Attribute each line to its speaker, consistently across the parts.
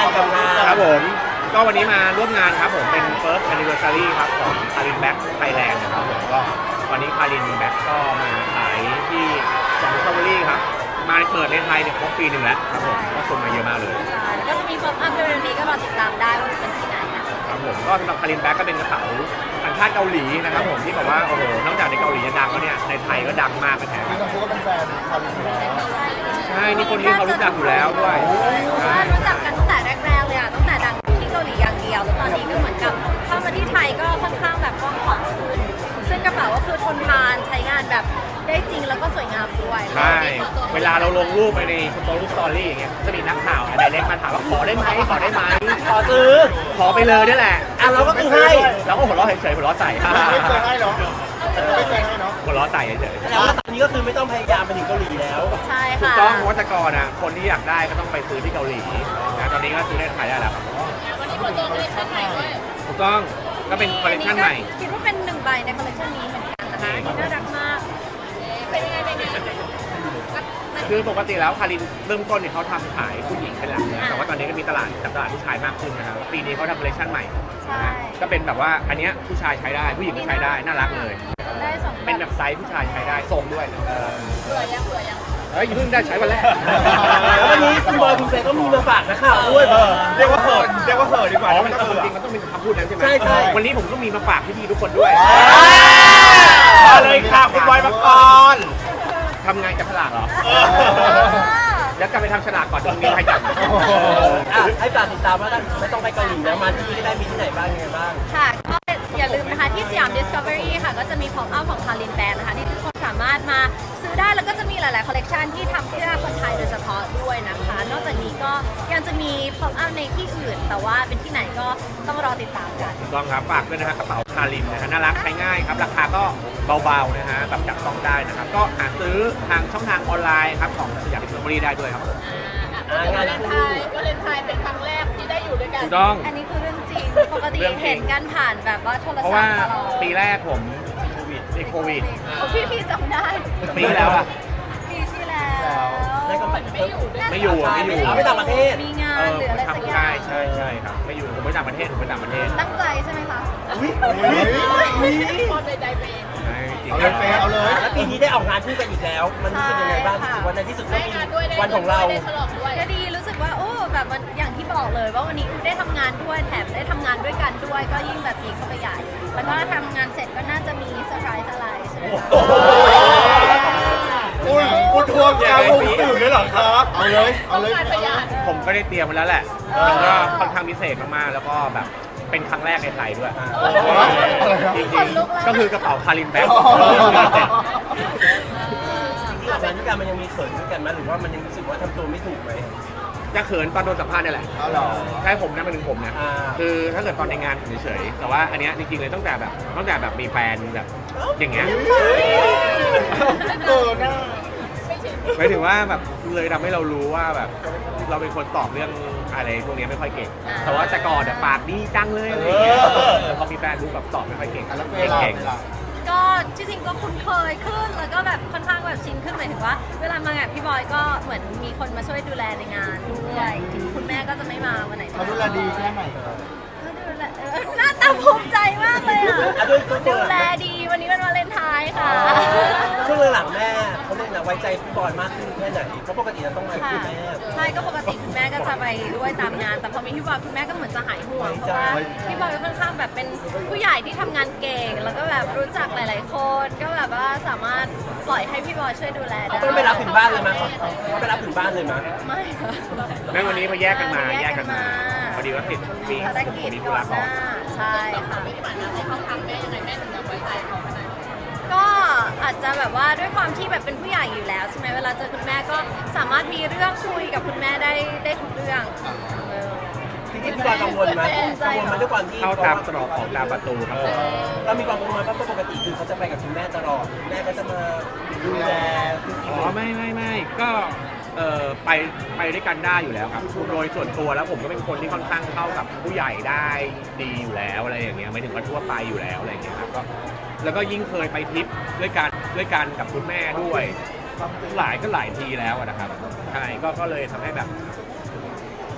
Speaker 1: านกับงาน
Speaker 2: ครับผมก็วันนี้มาร่วมงานครับผมเป็น first anniversary ครับของ Karin Back Thailand นะครับผมก็วันนี้ Karin Back ก็มาขายที่ของ Discovery ครับมาเปิดในไทยเนี่ยครบปีหนึ่งแล้วครับผมก็คนมาเยอะมากเลย
Speaker 3: ใช่แล้วก็จะมีป๊อปอัพเร็วๆนี้ก็รอติดตามได้ว่าจะเป็นที่ไหนนะครับ
Speaker 2: ผมก็สำหรับ Karin Back ก็เป็นกระเป๋าสัญชาติเกาหลีนะครับผมที่บอกว่าโอ้โหนอกจากในเกาหลีจะดังแล้วเนี่ยในไทยก็ดังมากเป็นแถม
Speaker 4: พี่กังฟูก็เป็นแฟนคารินอยู่แล้ว
Speaker 2: ใช่นี่คนนี้เขารู้จักอยู่แล้วด้วย
Speaker 3: ใช่รู้จักกันตั้งแต่แรกๆเลยอ่ะตั้งแต่ดังที่เกาหลีอย่างเดียวแล้วตอนนี้ก็เหมือนกับเข้ามาที่ไทยก็ค่อนข้างแบบกว้างขวางขึ้นซึ่งกระเป๋าก็คือทนทานใช้งานแบบได้จริงแล้วก็สวยงามด้วย
Speaker 2: ใช่เวลาเราลงรูปไปในรูปสตอรี่อย่างเงี้ยจะมีนักข่าวอะไรเล็กมาถามว่าขอได้ไหมขอได้ไหม
Speaker 1: ขอซื้อ
Speaker 2: ขอไปเลยนี่แหละ
Speaker 1: เราก็คือให้
Speaker 2: แล้วก็หัวเราะเฉยๆหัวเราะใส่
Speaker 4: ไม่เคยให้เนาะไม่เคยให้เนาะ
Speaker 2: หัวเราะใส่เฉย
Speaker 1: แล้วตอนนี้ก็คือไม่ต้องพยายามไปถึงเกาหลีแล้ว
Speaker 3: ใช่
Speaker 2: ๆถูก
Speaker 3: ค่ะ
Speaker 2: ต้องเพราะว่าแต่ก่อนอ่ะคนที่อยากได้ก็ต้องไปซื้อที่เกาหลีนะตอนนี้ก็ซื้อในไทยได้แล้วครับ
Speaker 3: วันนี้เปิดตัวคอลเลคชั่นใหม่ด้วย
Speaker 2: ถูกต้องก็เป็นคอลเลคชันใหม่
Speaker 3: คิดว่าเป็น1 ใบในคอลเลคชันนี้เหมือนกันนะคะอันนี้น่ารักมากเป็นยังไง
Speaker 2: คือปกติแล้วคารินเริ่มต้นเนี่ยเขาทำขายผู้หญิงเป็นหลักนะแต่ว่าตอนนี้ก็มีตลาดจับตลาดผู้ชายมากขึ้นนะครับปีนี้เขาทำคอลเลคชันใหม่
Speaker 3: ใช่
Speaker 2: ก็เป็นแบบว่าอันเนี้ยผู้ชายใช้ได้ผู้หญิงก็ใช้ได้น่ารักเลย
Speaker 3: ได้สอง
Speaker 2: เป็นแบบไซส์ผู้ชายใช้ได้ทรงด้วย
Speaker 3: เบื่อยัง
Speaker 2: เฮ้ยเพิ่งได้ใช้วันแรก
Speaker 1: แล้ววันนี้คุณบอยคุณเฟย์ก็มีมาฝากนะข่าวด้วย
Speaker 4: เรียกว่าเขินดีกว่า
Speaker 2: อ๋อ
Speaker 4: ไม่
Speaker 2: มัน
Speaker 4: ต้อง
Speaker 2: จ
Speaker 4: เขิ
Speaker 2: ริ
Speaker 4: น
Speaker 2: งๆมันต้องเป็นคำพูดนั้นใช่ไหม
Speaker 1: ใช่
Speaker 2: วันนี้ผมก็มีมาฝากพี่ๆทุกคนด้วย
Speaker 4: มาเลยค่ะคุณบอยปกรณ์
Speaker 2: ทำงานจับฉลากเหรอแล้วกลับไปทำฉลากก่อนจะมีใครจับ
Speaker 1: ให้ฝากติดตามว่าไม่ต้องไปเกาหลีแล้วมาที่นี่ก็ได้มีที่ไหนบ้างยังไงบ้าง
Speaker 3: ค่ะก็อย่าลืมนะคะที่สยาม Discovery ค่ะก็จะมีพ o อ up ของ Karin Band นะคะที่ทุกคนสามารถมาซื้อได้แล้วก็จะมีหลายๆคอลเลกชันที่ทำเพื่อคนไทยโดยเฉพาะด้วยนะคะ นอกจากนี้ก็ยังจะมีพ o อ up ในที่อื่น แต่ว่าเป็นที่ไหนก็ต้องรอติดตามกัน
Speaker 2: ถูกต้องครับฝากด้วยนะฮะกระเป๋าคารินนะฮะน่ารักใช้ง่ายครับราคาก็เบาๆนะฮะแบบจับต้องได้นะครับก็หาซื้อทางช่องทางออนไลน์ครับของสยามดิสคัฟเวอรี่ได้ด้วยครับ
Speaker 1: งานคู่
Speaker 5: วาเลนไทน์เป็นครั้งแรกที่ได้อยู่ด้วยกัน
Speaker 2: ถูกต้อง
Speaker 3: อันนี้คือเรื่องจริง ปกติ
Speaker 2: เรื่องจริง
Speaker 3: เห็นกันผ่านแบบว่าโทร
Speaker 2: เพราะ
Speaker 3: ศัพ
Speaker 2: ว่า
Speaker 3: ท์ตลอด
Speaker 2: ปีแรกผมติดโควิด
Speaker 3: พี่จำได้
Speaker 2: ปีที่แล้วอะ
Speaker 3: ปีที่แล้ว
Speaker 1: ได้ก็ไม่อยู่
Speaker 2: ไม่อยู่อะไม่อยู่
Speaker 1: ไม่ต่างประเทศ
Speaker 3: มีงานหรืออะไรสักอย่า
Speaker 2: ใช่
Speaker 3: ง
Speaker 2: ใช่ครับไม่อยู่ผมไปต่างประเทศผมไปต่างประเทศ
Speaker 3: ตั้งใจใช่ไหมคะ
Speaker 5: คนใดๆเป็น
Speaker 2: ใช่จริง
Speaker 4: เอาเลยเฟย์เอาเลย
Speaker 1: แล้วปีนี้ได้ออกงานคู่กันอีกแล้ว มันรู้สึกยังไงบ้างรู้สึกว่าในที่สุดก็
Speaker 5: ได้
Speaker 1: มี
Speaker 5: งานด้วยได้
Speaker 1: วันของเรา
Speaker 5: ได้ฉลองด้วย
Speaker 3: ก็ดีรู้สึกว่าโอ้แบบมันอย่างที่บอกเลยว่าวันนี้คือได้ทำงานด้วยแถมได้ทำงานด้วยกันด้วยก็ยิ่งแบบดีเข้าไปใหญ่แล้วก็ทำงานเสร็จก็น่าจะมีเซอร์ไพรส์อะไรใช่ไหมคะ
Speaker 4: คุณทวงกาวงสื่อเลยเหรอครับเอาเลยเอาเลย
Speaker 5: การประหยัด
Speaker 2: ผมก็ได้เตรียมมาแล้วแหละมันก็ค่อนข้างพิเศษมากๆแล้วก็แบบเป็นครั้งแรกในไทยด้วยจริงๆก็คือกระเป๋าคารินแบ็ค
Speaker 1: ที่ออกงานด้วยกันมันยังมีเขินด้วยกันไหมหรือว่ามันยังรู้สึกว่าทำตัวไม่ถูกไหม
Speaker 2: จะเขินตอนโดนสัมภาษณ์นี่แหละ
Speaker 4: เอาเหรอ
Speaker 2: ใช่ผมนะมันถึงผมนะ
Speaker 1: อ่า
Speaker 2: คือถ้าเกิดตอนในงานผมเฉยๆแต่ว่าอันเนี้ยจริงๆเลยตั้งแต่แบบมีแฟนแบบอย่างเงี้ย
Speaker 4: เกินนะ
Speaker 2: หมายถึงว่าแบบเลยทำให้เรารู้ว่าแบบเราเป็นคนตอบเรื่องอะไรพวกนี้ไม่ค่อยเก่ง แต่ว่าแต่ก่อนปากดีจังเลยอะไรอย่างเงี้ยพอมีแฟนรู้แบบตอบไม่ค่อยเก่ง
Speaker 4: แล้วเฟย์ล่ะ
Speaker 2: เก่ง
Speaker 3: ก็จริงๆก็คุ้นเคยขึ้นแล้วก็แบบค่อนข้างแบบชินขึ้นหมายถึงว่า เวลามางานพี่บอยก็เหมือนมีคนมาช่วยดูแลในงานด้วยคุณแม่ก็จะไม่มาวันไหน
Speaker 4: เขาดูแลดีแค่ไหน
Speaker 3: ก็ดูแลหน้าตาภูมิใจมากเลยอ่ะ ดูแลดีวันนี้เป็นวาเลนไทน์ค่ะ
Speaker 1: ช่วงหลังแม่เขาเรียกนะไว้ใจพี่บอยมากขึ้นแค่ไหนเพราะปกติเราต้องมาคุยแม่
Speaker 3: ใช่ก็ปกติคุณแม่ก็จะไปด้วยตามงาน แต่พอมีพี่บอยคุณแม่ก็เหมือนจะหายห่วงเพราะว่าพี่บอยค่อนข้างแบบเป็นผู้ใหญ่ที่ทำงานเก่ง แล้วก็แบบรู้จักหลาย ๆ คนก็แบบว่าสามารถปล่อยให้พี่บอยช่วยดูแลได้
Speaker 1: ต้องไปรับถึงบ้านเลยมั้ยเขาไปรับถึงบ้านเลยมั้ย
Speaker 3: ไม่ค่ะ
Speaker 2: แม่วันนี้มาแยกกันมาพอดีว่าติดมี
Speaker 3: ภารกิจ
Speaker 2: มีธุ
Speaker 3: ก่อ
Speaker 2: ระ
Speaker 3: นห
Speaker 2: ก่อ
Speaker 3: น้าน ใช่ค่ะ
Speaker 5: ที่ผ่านมาในห้องทำแม่ยังไงแม่ถึงจะไว้ใจเขาขนาดนั้น
Speaker 3: ก็อาจจะแบบว่าด้วยความที่แบบเป็นผู้ใหญ่อยู่แล้วใช่ไหมเวลาเจอคุณแม่ก็สามารถมีเรื่องคุยกับคุณแม่ได้ทุกเรื่องเออ
Speaker 1: จริงๆพี่บอยกังวลไหมกังวลมาด้วยความที่
Speaker 2: เข้าตามตรอกออกตามประตูครับผม
Speaker 1: เรามีความกังวลไหมเพราะปกติคือเขาจะไปกับคุณแม่ตลอดแม่ก็จะมาดูแล
Speaker 2: อ๋อไม่ก็ไปด้วยกันได้อยู่แล้วครับโดยส่วนตัวแล้วผมก็เป็นคนที่ค่อนข้างเข้ากับผู้ใหญ่ได้ดีอยู่แล้วอะไรอย่างเงี้ยไม่ถึงว่าทั่วไปอยู่แล้วอะไรอย่างเงี้ยครับก็แล้วก็ยิ่งเคยไปทริปด้วยกันกับคุณแม่ด้วยหลายทีแล้วอะนะครับใช่ก็เลยทำให้แบบ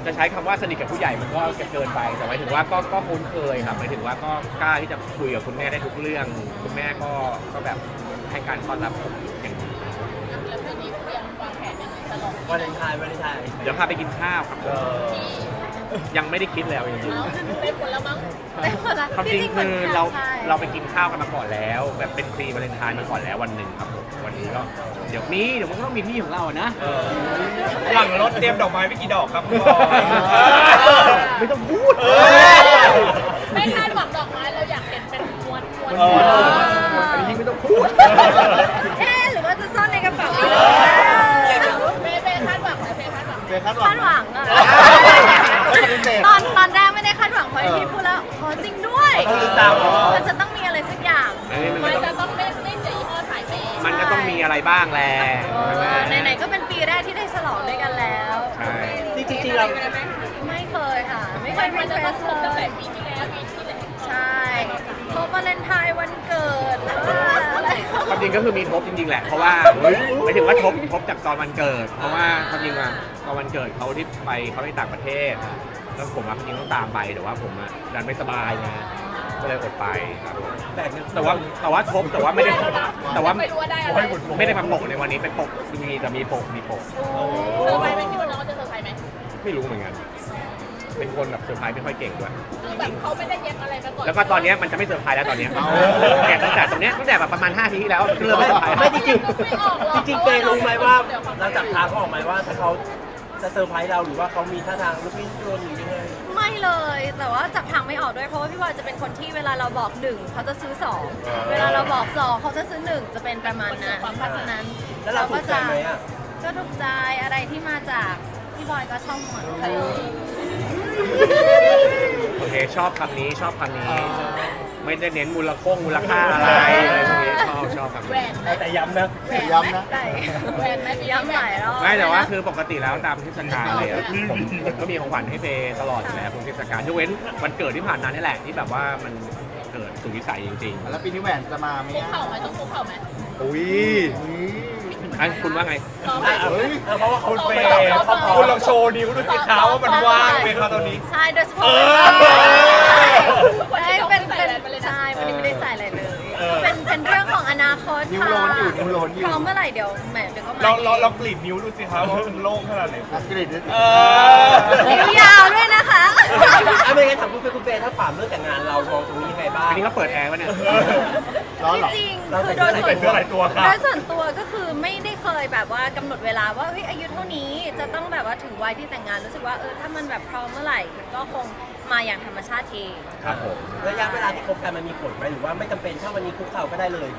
Speaker 2: จะใช้คำว่าสนิทกับผู้ใหญ่มันก็เกินไปแต่หมายถึงว่าก็คุ้นเคยครับหมายถึงว่าก็กล้าที่จะคุยกับคุณแม่ได้ทุกเรื่องคุณแม่ก็แบบให้การต้อนรับผมอย่างดี
Speaker 5: แล้วปีนี้เตรียมวางแผนยังไงตลอด
Speaker 1: วาเลนไทน์
Speaker 2: เดี๋ยวพาไปกินข้าวครับยังไม่ได้คิดแล้วจริง
Speaker 5: เอ้าเป็นผลแล้วมั้ง
Speaker 3: แต่คนละ
Speaker 2: ๆความจริง
Speaker 3: เหมื
Speaker 2: คื
Speaker 3: น
Speaker 2: อ
Speaker 3: กัน
Speaker 2: เรา
Speaker 3: ใช่
Speaker 2: เราไปกินข้าวกันมาก่อนแล้ว แบบเป็นพรีวาเลนไทน์มาก่อนแล้ววันหนึ่งครับผมวันนี้ก็เดี๋ยวมันก็ต้องมีที่ของเรานะ
Speaker 4: หลังรถเตรียมดอกไม้ไปกี่ดอกครับคุณบอย
Speaker 2: ไม่ต้องพูด
Speaker 5: ไม่คาดหวังดอกไม้เราอยากเห็นเป็นม้วน
Speaker 2: อันนี้ไม่ต้องพูด
Speaker 3: เอ๊ะหรือว่าจะซ่อนในกระเป๋าอีก
Speaker 5: เป้คาดหวังนะเป้คาดหวัง
Speaker 4: เป็นคาดห
Speaker 3: คาดห
Speaker 4: วั
Speaker 3: วั
Speaker 4: ง
Speaker 3: งอะ
Speaker 4: ไม่ปฏิเสธ
Speaker 3: ตอนแรกไม่ได้คาดหวังเพราะที่พูดแล้วขอจริงด้วย
Speaker 1: ต้องติดตาม
Speaker 3: มันจะต้องมีอะไรสักอย่าง
Speaker 2: อันนี้มัน
Speaker 5: มัน
Speaker 2: ก็
Speaker 5: จะ
Speaker 2: ต้อง
Speaker 5: ต้องไม่เสียยี่ห้อสายเป้
Speaker 2: มันก็ต้องมีอะไรบ้างแหละใช่ไหม
Speaker 3: ไหนๆก็เป็นปีแรกที่ได้ฉลองด้วยกันแล้ว
Speaker 2: ใช่
Speaker 1: จริงๆเรา
Speaker 3: ไม่เคยค่ะ ไม่เคย
Speaker 5: มันจะต้อง
Speaker 3: เ
Speaker 5: ครบตั้งแต่ปีที่แล้วปีที่แล้ว
Speaker 3: ใช่ครบวาเลนไทน์วันเกิดอะไร
Speaker 2: ความจริงก็คือมีทบจริงๆแหละเพราะว่าหมายถึงว่าทบจากตอนวันเกิด เพราะว่าความจริงอะตอนวันเกิดเขาที่ไปเขาไปต่างประเทศแล้วผมจริงต้องตามไปแต่ว่าผมดันไม่สบายไงก็เลยอดไปครับ
Speaker 1: แบ่งกัน
Speaker 2: แต่ว่าทบแต่ว่าไม่ได้แต่ว่า
Speaker 5: ไม่รู้ว่าได้อะไร
Speaker 2: ไม่ได้มาปกในวันนี้เป็นปกมีแต่มีปก
Speaker 5: เซอร์ไพรส์ไหมคิดว่าน้องจะเซอร์ไพรส์ไหม
Speaker 2: ไม่รู้เหมือนกัน เป็นคนแบบเซอร์ไพรส์ไม่ค่อยเก่งด้วย
Speaker 5: คือแบบเขาไม่ได้เย็บอะไรมาก่อน
Speaker 2: แล้วก็ตอนเนี้ยมันจะไม่เซอร์ไพรส์แล้วตอนเนี้ยเนี่ยตั้งแต่ตรงเนี้ยตั้งแต่แบบประมาณ5 ทีที่แล้วเริ่มไม่เซอร์ไพรส์
Speaker 1: ไม่จริงจริงๆเฟย์รู้ไหมว่าเราจับทางเขาออกไหมว่าถ้าเขาจะเซอร์ไพรส์เราหรือว่าเขามีท่าทางลุกลี้ลุกลนหรือยังไง
Speaker 3: ไม่เลย แต่ว่าจับทางไม่ออกด้วยเพราะว่าพี่บอยจะเป็นคนที่เวลาเราบอก1เขาจะซื้อ2เวลาเราบอก2เขาจะซื้อ1จะเป็นประมาณนั้นเพราะฉะนั้น
Speaker 1: แล้วเราถูกใจไหมอ่ะ
Speaker 3: ก็ถูกใจอะไรที่มาจากพี่บอยก็ชอบหมด
Speaker 2: โอเคชอบคำนี้ชอบคำนี้ ไม่ได้เน้นมูลค่าอะไรอะไรพวกนี้ชอบคำ
Speaker 5: แหว
Speaker 2: นี้
Speaker 5: น
Speaker 1: แต่ย้ำนะ
Speaker 4: ย้ำนะ
Speaker 3: ได้
Speaker 5: แหวนไหม
Speaker 3: ย้ำหลายรอบ
Speaker 2: ไม่แต่ว่าคือปกติแล้วตามเทศกาลเลยอะผมก็มีของขวัญให้เฟย์ตลอดอยู่แล้วทุกเทศกาลยกเว้นวันเกิดที่ผ่านมานี่แหละที่แบบว่ามันเกิดสุดวิสัยจริง
Speaker 4: แล้วปีนี้แหวนจะมาไหม
Speaker 5: คุกเข่าไหมต้องคุกเข่าไหม
Speaker 2: ๆอุ้ยอันคุณว่าไง
Speaker 5: ซ้อมไหม
Speaker 1: เพราะว่าเขา
Speaker 4: คุณเฟ
Speaker 1: เฟ
Speaker 4: ย์
Speaker 1: ย์เขาพร้อ
Speaker 4: คุณ
Speaker 1: ม
Speaker 4: ลองโชว์นิ้วดูสิคะว่ามันว่างไหมคะตอนนี้
Speaker 3: ใช่โดยเฉพาะ
Speaker 5: คนที่ต้อง
Speaker 3: เป็น
Speaker 5: ใส่แหวนไปเลยนะ
Speaker 3: ใช่วันนี้ไม่ได้ใส่อะไรเลยเป็นเรื่องของอนาคต
Speaker 4: นิ้ว
Speaker 3: ค่ะ
Speaker 4: โลนอยู่นิ้วโลนอยู่
Speaker 3: พร้อมเมื่อไหร่เดี๋ยวแหมเดี๋ยวก็มา
Speaker 4: ลองกรีดนิ้วดูสิคะว่ามันโล่งขนาดไหนกรีดนิ้ว
Speaker 3: นิ้วยาวด้วยนะคะ
Speaker 1: ไม่งั้นถามคุณเฟย์ถ้าถามเรื่องแต่งงานเรามองตรงนี้ยังไงบ้าง
Speaker 2: อันนี้ก็เปิดแอร์วะเนี่ย
Speaker 4: ร้อนเหรอ
Speaker 3: จริง
Speaker 1: เรา
Speaker 3: ๆ
Speaker 1: ใส่
Speaker 3: คือโดยส่วน
Speaker 4: เสื้อหลายตัวครับ
Speaker 3: โดยส่วนตัวก็คือไม่ได้เคยแบบว่ากำหนดเวลาว่าเฮ้ยอายุเท่านี้จะต้องแบบว่าถึงวัยที่แต่งงานรู้สึกว่าถ้ามันแบบพร้อมเมื่อไหร่ก็คงมาอย่างธรรมชาติเอง
Speaker 2: ครับผม
Speaker 1: ระยะเวลาที่คบกันมันมีผลไหมหรือว่าไม่จำเป็นถ้าวันนี้คุกเข่าก็ได้เลย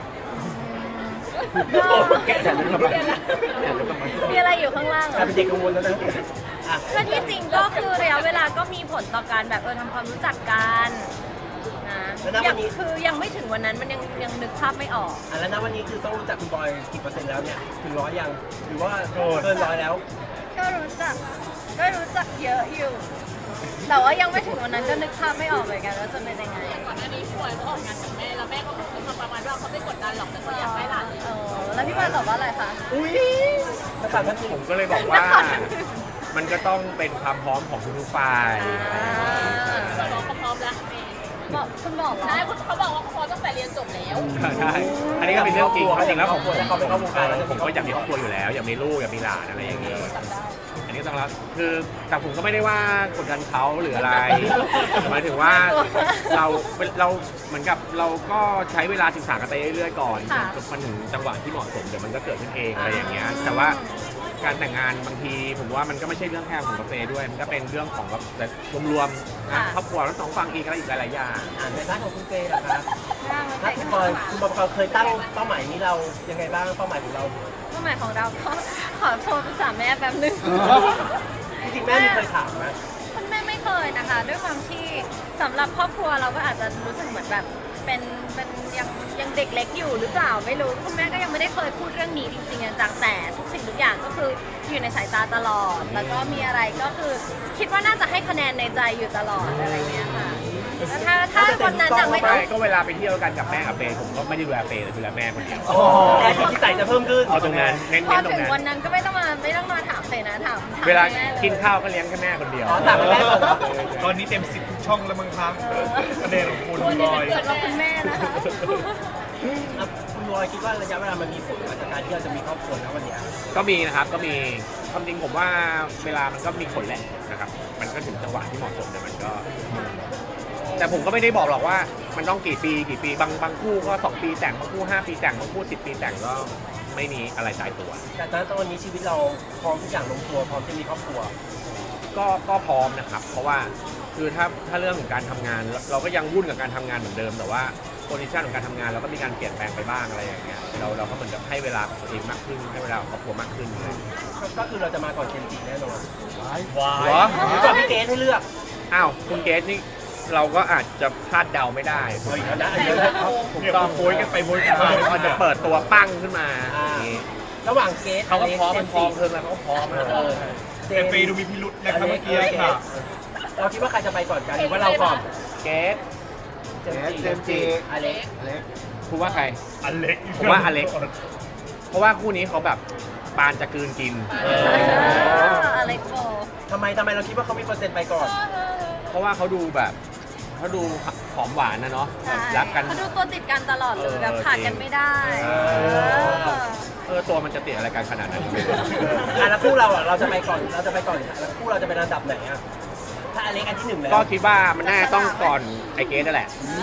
Speaker 2: แกะแต่ลึกทำไม
Speaker 3: มีอะไรอยู่ข้างล่างเหร
Speaker 1: กลาย
Speaker 3: อ
Speaker 1: เป็นเด็กกังวลแล้วนะอ่ะ
Speaker 3: ก็ที่จริงก็คือระยะเวลาก็มีผลต่อการแบบทำความรู้จักกันนะคือยังไม่ถึงวันนั้นมันยังนึกภาพไม่ออก
Speaker 1: แล้วนะวันนี้คือต้องรู้จักคุณบอยกี่เปอร์เซ็นต์แล้วเนี่ยถึง100ยังหรือว่าเกิน100แล้ว
Speaker 3: ก็รู้จักเยอะอยู่ แต่ว่ายังไม่ถึงวันนั้นก็นึกภาพไม่ออกเหมือนกันว่าจะเป็นยังไง
Speaker 5: ก่อนหน้านี้พี่บอยก็ออกงานกับแม่แล้วแม่ก็พูดมาประมาณว่าเขาไม่กดดันหรอกแต่เขาอยากให้หลานเลย
Speaker 3: แล้วพี่บอยตอบว่าอะไรคะ
Speaker 1: อุ้ยนักข่าวท่านหนึ่ง
Speaker 2: ผมก็เลยบอกว่า มันก็ต้องเป็นความพร้อมของทุกๆฝ่าย
Speaker 5: เขาบอกเขาพร้อมแล้ว
Speaker 3: บอกคุณบอกเหรอ
Speaker 5: ใช่เขาบอกว่าเขาพร้อมตั้งแต่เรียนจบแล้ว
Speaker 2: ใช่ อันนี้ก็เป็นเรื่องจริงจริงแล้วผม
Speaker 1: ถ้าเขาไปเข้าวงการแล้ว
Speaker 2: ผมก็อยากมีครอบครัวอยู่แล้ว อยากมีลูกอยากมีหลานอะไรอย่างเงี้ยอันนี้ต้องรับคือแต่ผมก็ไม่ได้ว่ากดดันเขาหรืออะไรหมายถึงว่าเราเหมือนกับเราก็ใช้เวลาศึกษากันไปเรื่อยๆก่อนจนมันถึงจังหวะที่เหมาะสมเดี๋ยวมันก็เกิดขึ้นเองอะไรอย่างเงี้ยแต่ว่าการแต่งงานบางทีผมว่ามันก็ไม่ใช่เรื่องแค่ของกาแฟด้วย มันก็เป็นเรื่องของแบบรวมๆนะครอบครัวทั้งสองฝั่งอีกอะไรอีกหลายๆอย่าง
Speaker 1: ในด้านของคุณเฟย์นะคะถ้าคุณบอยเคยตั้งเป้าหมายนี้เรายังไงบ้างเป้าหมายของเรา
Speaker 3: เป้าหมายของเราก็ขอโทรปรึกษาแม่แป๊บนึง
Speaker 1: จริงๆแม่มีเคยถามไหม
Speaker 3: คุณแม่ไม่เคยนะคะ ด้วยความที่สำหรับครอบครัวเราก็อาจจะรู้สึกเหมือนแบบเป็นยังเด็กเล็กอยู่หรือเปล่าไม่รู้คุณแม่ก็ยังไม่ได้เคยพูดเรื่องนี้จริงๆจังแต่ทุกสิ่งทุกอย่างก็คืออยู่ในสายตาตลอด แล้วก็มีอะไรก็คือคิดว่าน่าจะให้คะแนนในใจอยู่ตลอดอะไรเงี้ยค่ะถ้าวันนั้นจะไม่ต้
Speaker 2: ไม่
Speaker 3: อง
Speaker 2: ก็เวลาไปเที่ยวกันกับแม่กับเฟย์ผมก็ไม่ได้ดูแลเฟย์เลยดูแลแม่คนเดียว
Speaker 1: แต่ที่ใส่จะเพิ่มขึ้น
Speaker 2: เอาตรงนั้นเน้น
Speaker 3: พอ
Speaker 2: ๆตร
Speaker 3: ถึ
Speaker 2: ง
Speaker 3: ง
Speaker 2: นั้น
Speaker 3: วันนั้นก็ไม่ต้องมาถามเฟยนะถาม
Speaker 2: เวลา
Speaker 3: แม่ย
Speaker 2: กินข้าวก็เลี้ยงแค่แม่คนเดียว
Speaker 1: อ๋อต่างกับแม่ก่อนเหรอ
Speaker 4: ตอนนี้เต็ม10ทุกช่องแล้วมั้งครับประเด็นของคุณบอย
Speaker 3: เกิดมาคุณแม่นะคะ
Speaker 1: แล้วคุณบอยคิดว่าระยะเวลามันมีผลกับการที่เราจะมีครอบครัวนะวันเนี้ย
Speaker 2: ก็มีนะครับก็มีความจริงผมว่าเวลามันก็มีผลแหละนะครับมันก็ถึงจังหวะที่เหมาะสมแต่มันก็ แต่ผมก็ไม่ได้บอกหรอกว่ามันต้องกี่ปีบางคู่ก็2 ปีแต่งบางคู่5 ปีแต่งบางคู่10 ปีแต่งก็ไม่มีอะไรตายตัว
Speaker 1: แต่ตอนนี้ชีวิตเราพร้อมทุกอย่างลงตัวพร้อมจะมีครอบครัว
Speaker 2: ก็พร้อมนะครับ เพราะว่าคือถ้าเรื่องของการทำงานเราก็ยังวุ่นกับการทำงานเหมือนเดิมแต่ว่าโพซิชันของการทำงานเราก็มีการเปลี่ยนแปลงไปบ้างอะไรอย่างเงี้ยเราก็เหมือนกับให้เวลากับตัวเองมากขึ้นให้เวลากับครอบครัวมากขึ้นเลย
Speaker 1: ก็คือเราจะมาก่อนเจมส์จิแน่นอน
Speaker 2: เหรอ
Speaker 1: หรือก่อนพี่เกสให้เลือก
Speaker 2: อ้าวคุณเกสนี่เราก็อาจจะคาดเดาไม่ได้
Speaker 1: เอาอีกแล้วนะอันนี้นะ
Speaker 2: ถูกต้อง
Speaker 4: โวยกันไปโวยกันมา
Speaker 2: เขาจะเปิดตัวปั้งขึ้นมา
Speaker 1: อ่า
Speaker 2: อย่างงี้
Speaker 1: ระหว่างเกส
Speaker 2: เขาก็พร้อม
Speaker 1: เจ
Speaker 2: มัน
Speaker 1: ส์
Speaker 2: พร้อม
Speaker 1: จิ
Speaker 2: เพิ่มแล้วเขาก็พร้อมนะ
Speaker 1: เจ
Speaker 4: แต่
Speaker 1: มส์
Speaker 4: เฟย์ดูมีพิรุษนะครับเมื่อกี้ค่ะ
Speaker 1: เราคิดว่าใครจะไปก่อนกันหรือว่าเราก่อน
Speaker 2: เกส
Speaker 1: เจมส์จิอเล็ก
Speaker 2: คุณว่าใคร
Speaker 4: อเล็ก
Speaker 2: ผมว่าอเล็ก เพราะว่าคู่นี้เขาแบบปานจะกลืนกิน
Speaker 3: อะไรโก
Speaker 1: ทำไมเราคิดว่าเขามีเปอร์เซ็นต์ไปก่อน
Speaker 2: เพราะว่าเขาดูแบบเขาดูหอมหวานนะเนาะ
Speaker 3: ใช่
Speaker 2: รักกัน
Speaker 3: เขาดูตัวติดกันตลอดเลยแบบขาดกันไม่ได้
Speaker 2: ตัวมันจะติดอะไรกันขนาดนั้น
Speaker 1: แล้วคู่เราอ่ะเราจะไปก่อนแล้วคู่เราจะเป็นระดับไหนอ่ะถ้าอเล็กอันที่หนึ่งแล้ว
Speaker 2: ก็คิดว่ามันน่าต้องก่อนไอเกสนั่นแหละ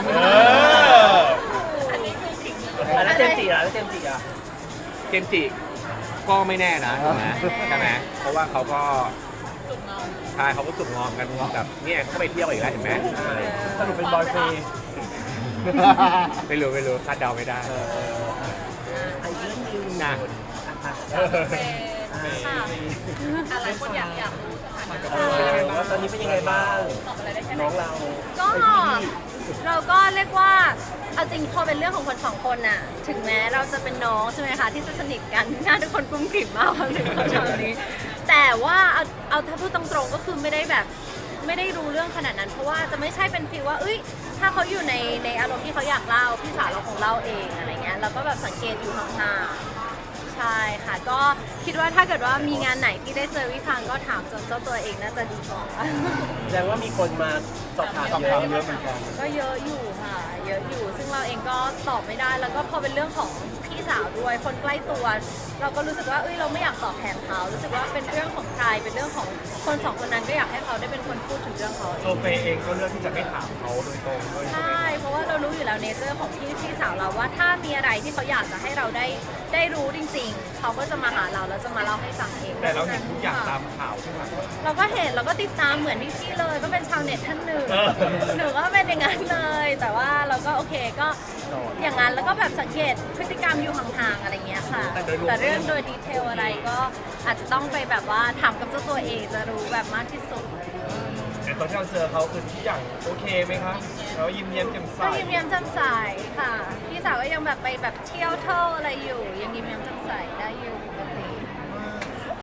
Speaker 5: อันนี้คือสิ่งหนึ่ง
Speaker 1: แล้วเจมส์จิอ่ะ
Speaker 2: เจมส์จิก็ไม่แน่นะถูกไหมใช่ไหมเพราะว่าเขาก็
Speaker 5: จุกเงา
Speaker 2: ใช่เขาก็สุกงอมกันแบบเนี่ยเขาไปเที่ยวอีกแล้วเห็นไหม
Speaker 1: สรุปเป็นบอยเฟย์
Speaker 2: ไม่รู้คาดเดาไม่ได้
Speaker 1: อีกเรื่องหนึง
Speaker 2: นะ
Speaker 5: เฟย์ค่ะอะไรคนอยากรู้สถานะ
Speaker 1: ว่าตอนนี้เป็นยังไงบ้าง
Speaker 5: ตอบอะไรได้แค่ไหน
Speaker 1: น้องเรา
Speaker 3: ก็เราก็เรียกว่าเอาจริงพอเป็นเรื่องของคนสองคนน่ะถึงแม้เราจะเป็นน้องใช่ไหมคะที่จะสนิทกันหน้าทุกคนกุ้มกลิ่มมากความถึงเราตอนนี้ แต่ว่าเอาถ้าพูดตรงๆก็คือไม่ได้รู้เรื่องขนาดนั้น เพราะว่าจะไม่ใช่เป็นฟีลว่าเอ้ยถ้าเขาอยู่ในอารมณ์ที่เขาอยากเล่าพี่สาวเราคงเล่าเองอะไรเงี้ยเราก็แบบสังเกตอยู่ห่างๆใช่ค่ะ ก็คิดว่าถ้าเกิดว่ามีงานไหนที่ได้เจอวิพังก็ถามจนเจ้าตัวเองน่าจะดีกว่า
Speaker 1: แสดงว่ามีคนมาสอบถามเยอะเหมือนกัน
Speaker 3: ก็เยอะอยู่ค่ะเยอะอยู่ ซึ่งเราเองก็ตอบไม่ได้แล้วก็พอเป็นเรื่องของพี่สาวด้วยคนใกล้ตัว เราก็รู้สึกว่าเราไม่อยากตอบแทนเขารู้สึกว่าเป็นเรื่องของใครเป็นเรื่องของคนสองคนนั้นก็อยากให้เขาได้เป็นคนพูดถึงเรื่องเขาเอ
Speaker 4: ตัว
Speaker 3: ง
Speaker 4: เฟย์เองก็เลือกที่จะไม่ถามเขาโดยตรงด้วย
Speaker 3: ใช่เพราะว่าเรารู้อยู่แล้วเนเจอร์ของพี่สาวเราว่าถ้ามีอะไรที่เขาอยากจะให้เราได้รู้จริงๆเขาก็จะมาหาเราแล้วจะมาเล่าให้ฟังเอง
Speaker 4: แต่เราเห็นทุกอย่างตามข่าวใช่ไหม
Speaker 3: เราก็เห็นเราก็ติดตามเหมือนพี่ๆเลยก็เป็นชาวเน็ตท่านหนึ่ง หนูก็เป็นอย่างนั้นเลย แต่ว่าเราก็โอเคก็อย่างนั้นแล้วก็แบบสังเกตพฤติกรรมอยู่ห่างๆอะไรเงี้ยค่ะ แต่เรื่องโดยดีเทลอะไรก็อาจจะต้องไปแบบว่าถามกับเจ้าตัวเองจะรู้แบบมากที่สุด
Speaker 4: แต่ตอนที่เราเจอเขาคือทุกอย่างโอเคไหมคะเรายิ้มแย้มแจ่มใส
Speaker 3: ก็ยิ้มแย้มแจ่มใสค่ะ พี่สาวก็ยังแบบไปแบบเที่ยวเท่าอะไรอยู่ ยังยิ้มแย้มแจ่มใสได้อยู่ปกติ